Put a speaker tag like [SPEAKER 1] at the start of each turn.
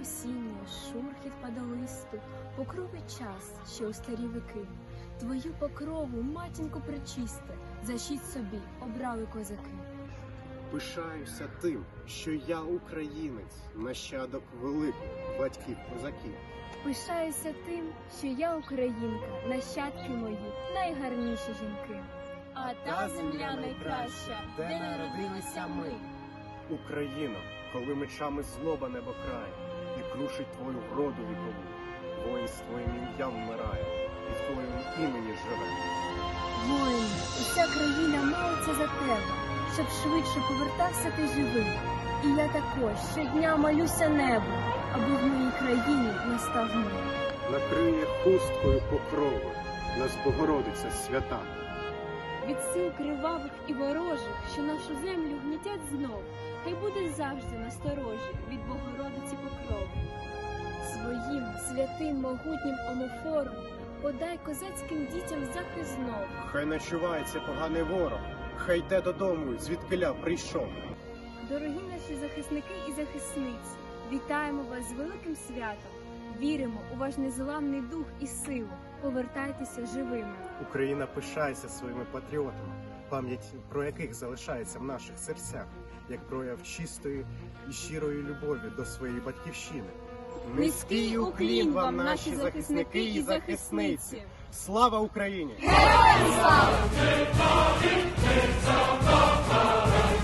[SPEAKER 1] осіння, шурхіт падолисту, покровий час, що у старі віки. Твою покрову, матінко пречисте, защить собі обрали козаки.
[SPEAKER 2] Пишаюся тим, що я українець, нащадок великих батьків козаків.
[SPEAKER 1] Пишаюся тим, що я українка, нащадки мої, найгарніші жінки. А та земля найкраща, де народилися ми.
[SPEAKER 2] Україно, коли мечами злоба небо крає, і крушить твою вроду вікову, воїн з твоїм ім'ям вмирає, і в твоєму імені живе.
[SPEAKER 1] Воїн, уся країна молиться за тебе, щоб швидше повертався ти живий. І я також щодня молюся небу, аби в моїй країні настав мир.
[SPEAKER 2] Накриє хусткою покрову нас Богородиця свята.
[SPEAKER 1] Від сил кривавих і ворожих, що нашу землю гнітять знов, хай буде завжди насторожі від Богородиці покрови. Своїм святим могутнім омофором подай козацьким дітям захист знов.
[SPEAKER 2] Хай начувається поганий ворог, хай йде додому, звідкиля прийшов.
[SPEAKER 1] Дорогі наші захисники і захисниці, вітаємо вас з великим святом. Віримо у ваш незламний дух і силу. Повертайтеся живими.
[SPEAKER 2] Україна пишається своїми патріотами, пам'ять про яких залишається в наших серцях, як прояв чистої і щирої любові до своєї батьківщини.
[SPEAKER 1] Низький уклін вам, наші захисники і захисниці!
[SPEAKER 2] Слава Україні!
[SPEAKER 1] Героям слава!